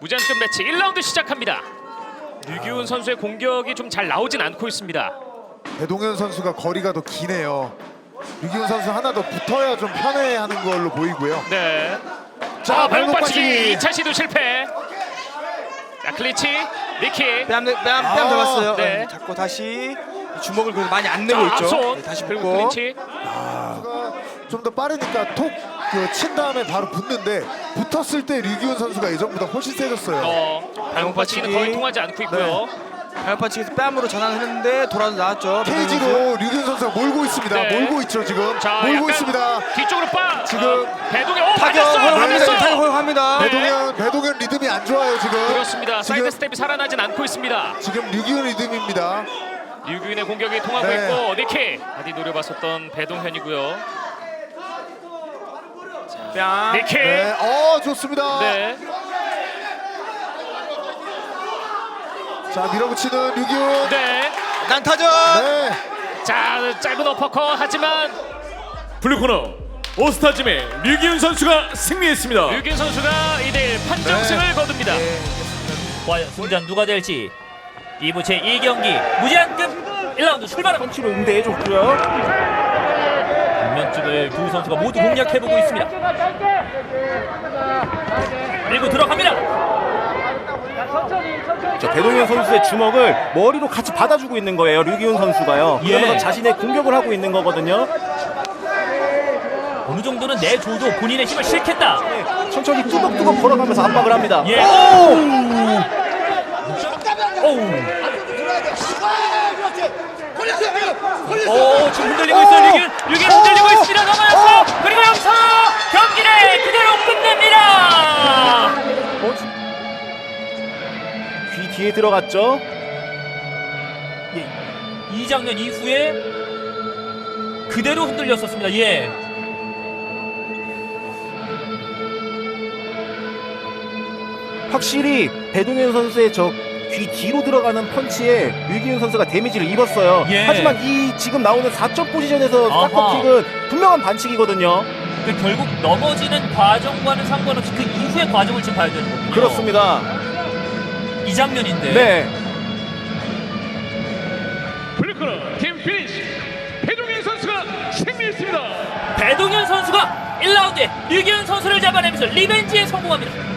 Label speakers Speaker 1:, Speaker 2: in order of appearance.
Speaker 1: 무제한급 매치 1라운드 시작합니다. 류기훈 선수의 공격이 좀 잘 나오진 않고 있습니다.
Speaker 2: 배동현 선수가 거리가 더 기네요. 류기훈 선수 하나 더 붙어야 좀 편해하는 걸로 보이고요.
Speaker 1: 네.
Speaker 2: 자,
Speaker 1: 발목
Speaker 2: 발목
Speaker 1: 받치기
Speaker 2: 받치기.
Speaker 1: 2차 시도 실패. 자, 클리치, 리키.
Speaker 3: 뺨 잡았어요.
Speaker 1: 네.
Speaker 3: 네. 잡고 다시 주먹을 그래도 많이 안
Speaker 1: 자,
Speaker 3: 내고 있죠.
Speaker 1: 앞손.
Speaker 3: 네, 다시
Speaker 1: 그리고
Speaker 3: 펴고.
Speaker 1: 클리치.
Speaker 2: 좀 더 빠르니까 톡 친 다음에 바로 붙는데 붙었을 때 류기훈 선수가 예전보다 훨씬 세졌어요.
Speaker 1: 발목 받치기는 거의 통하지 않고 있고요.
Speaker 3: 발판치기에서 뺨으로 전환했는데 돌아서 나왔죠.
Speaker 2: 케이지로 류기훈 선수가 몰고 있습니다.
Speaker 1: 네.
Speaker 2: 몰고 있죠 지금.
Speaker 1: 자,
Speaker 2: 몰고
Speaker 1: 약간
Speaker 2: 있습니다.
Speaker 1: 뒤쪽으로
Speaker 2: 지금
Speaker 1: 배동현
Speaker 3: 타격
Speaker 1: 맞았어요. 맞았어요.
Speaker 3: 타격합니다.
Speaker 1: 네.
Speaker 2: 배동현 리듬이 안 좋아요 지금.
Speaker 1: 그렇습니다.
Speaker 2: 지금-
Speaker 1: 사이드 스텝이 살아나진 않고 있습니다.
Speaker 2: 지금 류기훈 리듬입니다.
Speaker 1: 류기훈의 공격이 통하고
Speaker 2: 네.
Speaker 1: 있고 니키 바디 노려봤었던 배동현이고요.
Speaker 3: 뺨.
Speaker 1: 니키.
Speaker 2: 네, 좋습니다.
Speaker 1: 네.
Speaker 2: 자, 밀어붙이는 류기훈.
Speaker 1: 네.
Speaker 3: 난타전.
Speaker 2: 네.
Speaker 1: 자, 짧은 어퍼컷 하지만
Speaker 4: 블루코너 오스타짐의 류기훈 선수가 승리했습니다.
Speaker 1: 류기훈 선수가 2대1 판정승을 거둡니다.
Speaker 5: 과연 승자는 누가 될지 2부 제2경기 무제한급 1라운드 출발합니다.
Speaker 3: 펀치로 응대해줬고요.
Speaker 5: 면쪽을 두 선수가 모두 공략해보고 있습니다. 밀고 들어갑니다.
Speaker 6: 배동현 선수의 주먹을 머리로 같이 받아주고 있는 거예요. 류기훈 선수가요.
Speaker 5: 예.
Speaker 6: 그러면서 자신의 공격을 하고 있는 거거든요.
Speaker 5: 어느 정도는 내줘도 본인의 힘을 실겠다.
Speaker 6: 천천히 뚜벅뚜벅 걸어가면서 압박을 합니다.
Speaker 5: 예. 오, 지금 흔들리고 있어요. 류기훈 흔들리고 있습니다. 넘어졌어. 그리고 여기서 경기를 그대로 끝냅니다.
Speaker 6: 귀 뒤에 들어갔죠.
Speaker 5: 이 장면 이후에 그대로 흔들렸었습니다. 예.
Speaker 6: 확실히 배동현 선수의 저 귀 뒤로 들어가는 펀치에 류기훈 선수가 데미지를 입었어요.
Speaker 5: 예.
Speaker 6: 하지만 이 지금 나오는 4점 포지션에서
Speaker 5: 아하.
Speaker 6: 사커킥은 분명한 반칙이거든요.
Speaker 5: 그 결국 넘어지는 과정과는 상관없이 그 이후의 과정을 지금 봐야 되는 거군요.
Speaker 6: 그렇습니다.
Speaker 5: 이 장면인데.
Speaker 6: 네.
Speaker 4: 블루코너 팀 피니시 배동현 선수가 승리했습니다.
Speaker 5: 배동현 선수가 1라운드에 류기훈 선수를 잡아내면서 리벤지에 성공합니다.